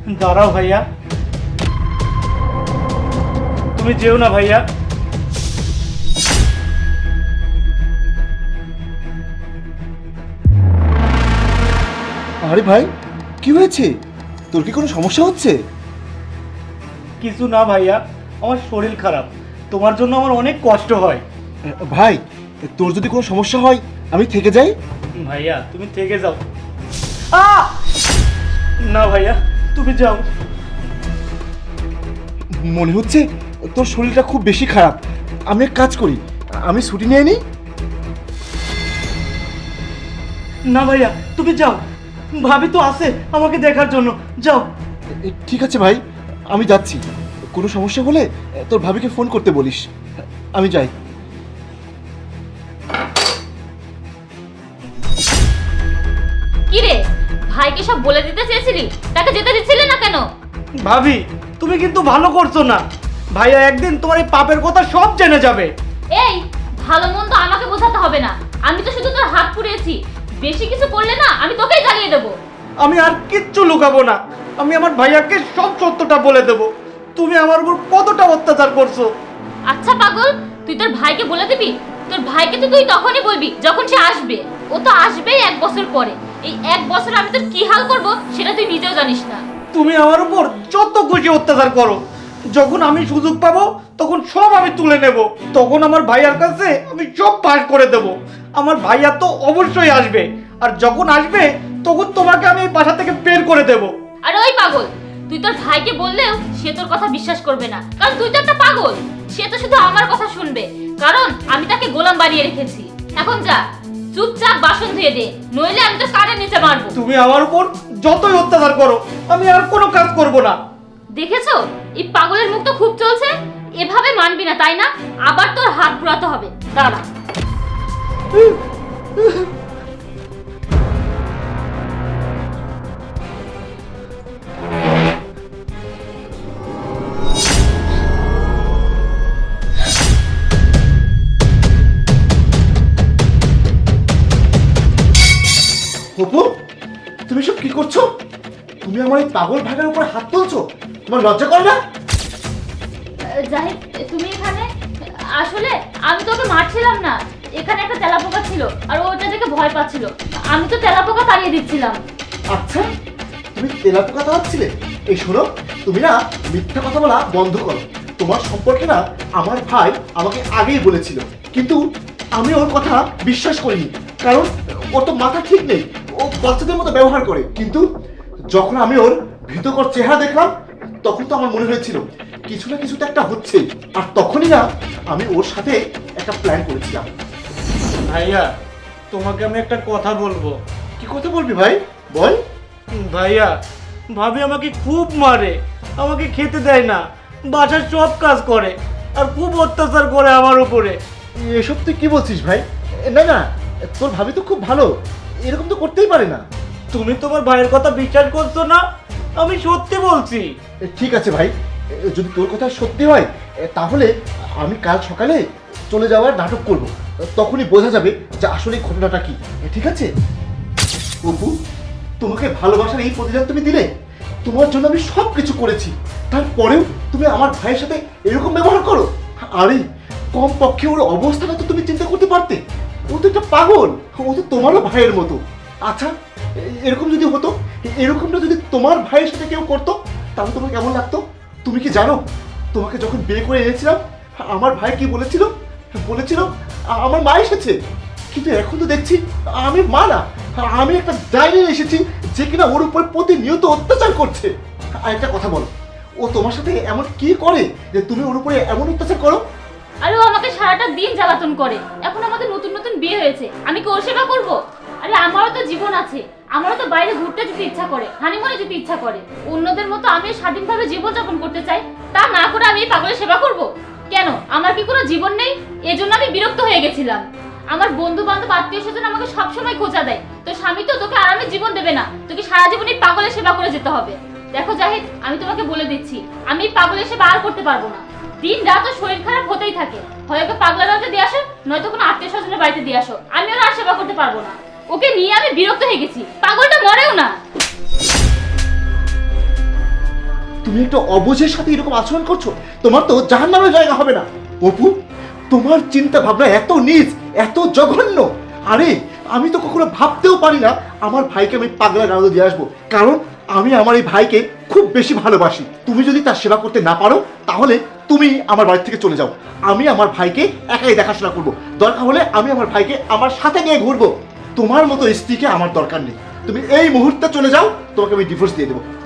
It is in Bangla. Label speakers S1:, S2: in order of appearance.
S1: দাঁড়াও ভাইয়া, তুমি যেও না ভাইয়া।
S2: আরে ভাই, কি হয়েছে? তোর কি কোনো সমস্যা হচ্ছে?
S1: কিছু না ভাইয়া, আমার শরীর খারাপ, তোমার জন্য আমার অনেক কষ্ট হয়।
S2: ভাই, তোর যদি কোনো সমস্যা হয় আমি থেকে যাই।
S1: ভাইয়া তুমি থেকে যাও। আহ! না ভাইয়া, তুমি যাও।
S2: মনে হচ্ছে তোর শরীরটা খুব বেশি খারাপ। আমি এক কাজ করি, আমি ছুটি নিয়ে নিই।
S1: না ভাইয়া তুমি যাও, ভাবি তো আছে আমাকে দেখার জন্য, যাও।
S2: ঠিক আছে ভাই, আমি যাচ্ছি। কোনো সমস্যা হলে তোর ভাবিকে ফোন করতে বলিস। আমি যাই।
S3: কি রে, ভাইকে সব বলে দিতে চেয়েছিলি, তাকে যেতে দিচ্ছিলে না কেন?
S1: ভাবি তুমি কিন্তু ভালো করছো না, ভাইয়া একদিন তোমার এই পাপের কথা সব জেনে যাবে।
S3: এই, ভালো মন্দ আমাকে বোঝাতে হবে না, আমি তো শুধু তোর হাত পুড়িয়েছি। বেশি কিছু করলে না আমি তোকেই জ্বালিয়ে দেবো।
S1: আমি আর কিচ্ছু লুকাবো না, আমি আমার ভাইয়াকে সব সত্যটা বলে দেবো। তুমি আমার উপর কতটা অত্যাচার করছো।
S3: আচ্ছা পাগল, তুই তোর ভাইকে বলে দিবি? তোর ভাইকে তো তুই তখনই বলবি যখন সে আসবে। ও তো আসবেই 1 বছর পরে। এই 1 বছর আমি তোর কি হাল করব সেটা তুই নিজেও জানিস না।
S1: তুমি আমার উপর যত খুশি অত্যাচার করো, যখন আমি সুযোগ পাবো তখন সব আমি তুলে নেব। তখন আমার ভাইয়ার কাছে আমি সব পাস করে দেব। আমার ভাইয়া তো অবশ্যই আসবে, আর যখন আসবে তখন তোমাকে আমি এই বাসা থেকে বের করে দেব।
S3: আর ওই পাগল, তুই তোর ভাইকে বললেও সে তোর কথা বিশ্বাস করবে না, কারণ তুই তো একটা পাগল। সে তো শুধু আমার কথা শুনবে, কারণ আমি তাকে গোলাম বানিয়ে রেখেছি। এখন যা, চুপচাপ বাসন ধুয়ে দে, নইলে আমি তোর কানের নিচে মারবো।
S1: তুমি আমার উপর যতই অত্যাচার করো, আমি আর কোনো কাজ করব না।
S3: দেখেছো, এই পাগলের মুখ তো খুব চলছে। এভাবে মানবি না তাই না? আবার তোর হাত পুরাতে হবে, দাঁড়া।
S2: অপু, তুমি সব কি করছো? তুমি আমার এই পাগল ভাইয়ের উপর হাত তুলছো? তোমার লজ্জা করে না?
S3: জাহিদ, তুমি এখানে? আসলে আমি তোকে মারছিলাম না, এখানে একটা তেলাপোকা ছিল আর ও ওটা দেখে ভয় পাচ্ছিল। আমি তো তেলাপোকা তাড়িয়ে দিচ্ছিলাম।
S2: আচ্ছা, তুমি তেলাপোকা তাড়াচ্ছিলে? এই শোনো, তুমি না মিথ্যা কথা বলা বন্ধ করো। তোমার সম্পর্কে না আমার ভাই আমাকে আগেই বলেছিল, কিন্তু আমি ওর কথা বিশ্বাস করিনি, কারণ ওর তো মাথা ঠিক নেই। ও বাচ্চাদের মতো ব্যবহার করে। কিন্তু যখন আমি ওর ভীতকর চেহারা দেখলাম, তখন তো আমার মনে হয়েছিল কিছু না কিছু তো একটা হচ্ছে। আর তখনই না আমি ওর সাথে একটা প্ল্যান করেছিলাম।
S1: ভাইয়া তোমাকে আমি একটা কথা বলবো।
S2: কি কথা বলবি ভাই, বল।
S1: ভাইয়া, ভাবি আমাকে খুব মারে, আমাকে খেতে দেয় না, বাসার সব কাজ করে, আর খুব অত্যাচার করে আমার উপরে।
S2: এসব তুই কি বলছিস ভাই? না না, তোর ভাবি তো খুব ভালো, এরকম তো করতেই পারে না।
S1: তুমি তোমার ভাইয়ের কথা বিশ্বাস করছো না? আমি সত্যি বলছি।
S2: ঠিক আছে ভাই, যদি তোর কথা সত্যি হয় তাহলে আমি কাল সকালে চলে যাওয়ার নাটক করব। তখনই বোঝা যাবে যে আসলে ঘটনাটা কি। ঠিক আছে অপু, তোমাকে ভালোবাসার এই প্রতিদান তুমি দিলে। তোমার জন্য আমি সব কিছু করেছি, তারপরেও তুমি আমার ভাইয়ের সাথে এরকম ব্যবহার করো। আরে কম পক্ষে ওর অবস্থাটা তো তুমি চিন্তা করতে পারতে। ও তো একটা পাগল, ও তো তোমারও ভাইয়ের মতো। আচ্ছা, এরকম যদি হতো, এরকমটা যদি তোমার ভাইয়ের সাথে কেউ করতো, তাহলে তোমার কেমন লাগতো? তুমি কি জানো, তোমাকে যখন বিয়ে করে এনেছিলাম আমার ভাই কি বলেছিল? বলেছিল আমার মা এসেছে। কিন্তু এখন তো দেখছি আমি মা না, আমি একটা ডাইনি এসেছি যে কিনা ওর উপর প্রতিনিয়ত অত্যাচার করছে। আর একটা কথা বলো, ও তোমার সাথে এমন কি করে যে তুমি ওর উপরে এমন অত্যাচার করো?
S3: আরে ও আমাকে সারাটা দিন জ্বালাতন করে। এখন আমাদের নতুন নতুন বিয়ে হয়েছে, আমি কি ওর সেবা করবো? আরে আমারও তো জীবন আছে, আমারও তো বাইরে ঘুরতে যেতে ইচ্ছা করে, হানিমুনে যেতে ইচ্ছা করে। অন্যদের মতো আমি স্বাধীনভাবে জীবনযাপন করতে চাই, তা না করে আমি এই পাগলের সেবা করব? কেন, আমার কি কোনো জীবন নেই? এজন্য আমি বিরক্ত হয়ে গেছিলাম। আমার বন্ধু বান্ধব আত্মীয় স্বজন আমাকে সবসময় খোঁচা দেয়, তো স্বামী তো তোকে আরামে জীবন দেবে না, তোকে সারা জীবন এই পাগলের সেবা করে যেতে হবে। দেখো জাহিদ, আমি তোমাকে বলে দিচ্ছি, আমি এই পাগলের সেবা আর করতে পারবো না। দিন রাত ওর শরীর খারাপ হতেই থাকে, হয় ওকে পাগলার বাড়িতে দিয়ে আসো, নয়তো কোনো আত্মীয় স্বজনের বাড়িতে দিয়ে আসো। আমি ওর আর সেবা করতে পারবো না, ওকে নিয়ে আমি বিরক্ত হয়ে গেছি। পাগলটা মরেও না।
S2: তুমি একটা অবুঝের সাথে এরকম আচরণ করছো? তোমার তো জাহান্নামের জায়গা হবে না। অপু, তোমার চিন্তা ভাবনা এত নীচ, এত জঘন্য। আরে আমি তো কখনো ভাবতেও পারি না আমার ভাইকে আমি পাগলা গারদে দিয়ে আসবো, কারণ আমি আমার এই ভাইকে খুব বেশি ভালোবাসি। তুমি যদি তার সেবা করতে না পারো তাহলে তুমি আমার বাড়ি থেকে চলে যাও। আমি আমার ভাইকে একাই দেখাশোনা করবো, দরকার হলে আমি আমার ভাইকে আমার সাথে নিয়ে ঘুরবো। তোমার মতো স্ত্রীকে আমার দরকার নেই। তুমি এই মুহূর্তে চলে যাও, তোমাকে আমি ডিভোর্স দিয়ে দেবো।